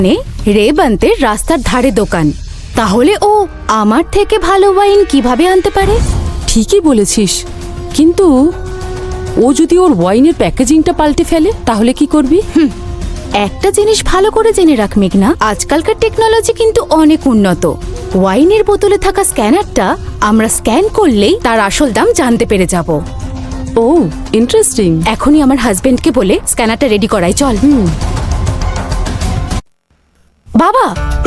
রেবান্তের রাস্তার ধারে দোকান, তাহলে ও আমার থেকে ভালো ওয়াইন কিভাবে আনতে পারে? ঠিকই বলেছিস, কিন্তু ও যদি ওর ওয়াইনের প্যাকেজিংটা পাল্টে ফেলে তাহলে কি করবি? একটা জিনিস ভালো করে জেনে রাখ মেঘনা, আজকালকার টেকনোলজি কিন্তু অনেক উন্নত। ওয়াইনের বোতলে থাকা স্ক্যানারটা আমরা স্ক্যান করলেই তার আসল দাম জানতে পেরে যাব। ও ইন্টারেস্টিং। এখনই আমার হাজবেন্ডকে বলে স্ক্যানারটা রেডি করাই, চল। বাবা,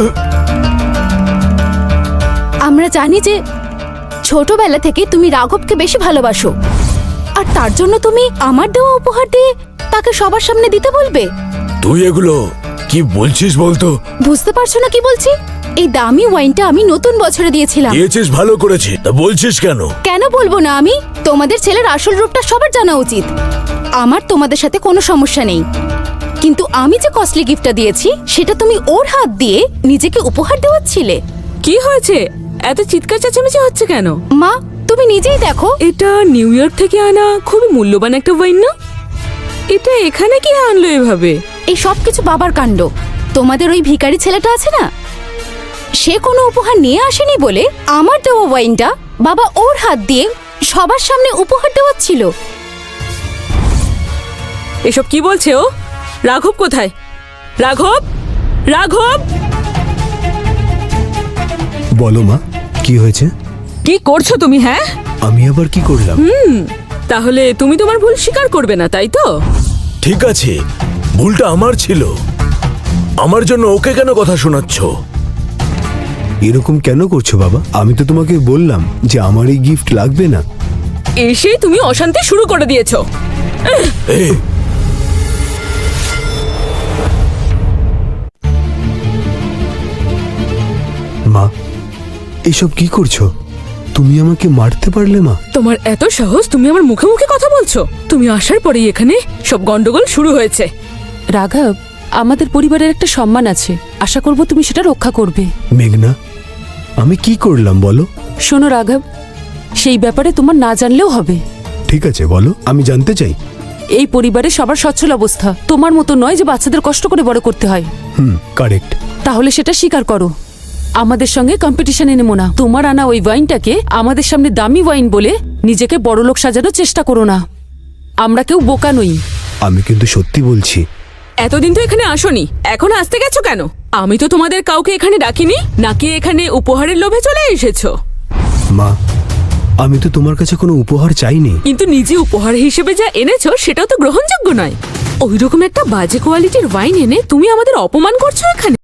আমরা জানি যে ছোটবেলা থেকে তুমি রাঘবকে বেশি ভালোবাসো, আর তার জন্য তুমি আমার দেওয়া উপহার দিয়ে তাকে সবার সামনে দিতে বলবে? তুই এগুলো কি বলছিস বলতো? বুঝতে পারছো না কি বলছি? এই দামি ওয়াইনটা আমি নতুন বছরে দিয়েছিলাম। দিয়েছিস ভালো করেছি, তা বলছিস কেন? কেন বলবো না আমি? তোমাদের ছেলের আসল রূপটা সবার জানা উচিত। আমার তোমাদের সাথে কোনো সমস্যা নেই, কিন্তু আমি যে কস্টলি গিফটটা দিয়েছি সেটা তুমি ওর হাত দিয়ে নিজেকে উপহার দেওয়াচ্ছিলে। কি হয়েছে? এত চিৎকার চেঁচামেচি হচ্ছে কেন? মা, তুমি নিজেই দেখো। এটা নিউ ইয়র্ক থেকে আনা খুবই মূল্যবান একটা ওয়াইন না? এটা এখানে কি আনলো এভাবে? এই সব কিছু বাবার কাণ্ড। তোমাদের ওই ভিখারি ছেলেটা আছে না, সে কোনো উপহার নিয়ে আসেনি বলে আমার দেওয়া ওয়াইনটা বাবা ওর হাত দিয়ে সবার সামনে উপহার দেওয়াচ্ছিল। এসব কি বলছে ও? রাঘব কোথায়? রাঘব, রাঘব! বলো মা, কি হয়েছে? কি করছো তুমি? হ্যাঁ, আমি আবার কি করলাম? তাহলে তুমি তোমার ভুল স্বীকার করবে না, তাই তো? ঠিক আছে, ভুলটা আমার ছিল। আমার জন্য ওকে কেন কথা শোনাচ্ছ? এরকম কেন করছো বাবা? আমি তো তোমাকে বললাম যে আমার এই গিফট লাগবে না। এসে তুমি অশান্তি শুরু করে দিয়েছো। এই, মা, এসব কি করছো? তুমি আমাকে মারতে পারলে মা? তোমার এত সাহস, তুমি আমার মুখে মুখে কথা বলছো? তুমি আসার পরেই এখানে সব গন্ডগোল শুরু হয়েছে। রাঘব, আমাদের পরিবারের একটা সম্মান আছে, আশা করব তুমি সেটা রক্ষা করবে। মেঘনা, আমি কি করলাম বলো? শোনো রাঘব, সেই ব্যাপারে তোমার না জানলেও হবে। ঠিক আছে বলো, আমি জানতে চাই। এই পরিবারে সবার সচ্ছল অবস্থা, তোমার মতো নয় যে বাচ্চাদের কষ্ট করে বড় করতে হয়। কারেক্ট। তাহলে সেটা স্বীকার করো। আমাদের সঙ্গে কম্পিটিশনে নেমো না। তোমার আনা ওই ওয়াইনটাকে আমাদের সামনে দামি ওয়াইন বলে নিজেকে বড়লোক সাজানোর চেষ্টা করো না। আমরা কেউ বোকা নই। আমি কিন্তু সত্যি বলছি। এতদিন তো এখানে আসোনি, এখন আসতে গেছো কেন? আমি তো তোমাদের কাউকে এখানে ডাকিনি, নাকি এখানে উপহারের লোভে চলে এসেছো? মা, আমি তো তোমার কাছে কোনো উপহার চাইনি। কিন্তু নিজে উপহার হিসেবে যা এনেছো সেটাও তো গ্রহণযোগ্য নয়। ওইরকম একটা বাজে কোয়ালিটির ওয়াইন এনে তুমি আমাদের অপমান করছো এখানে।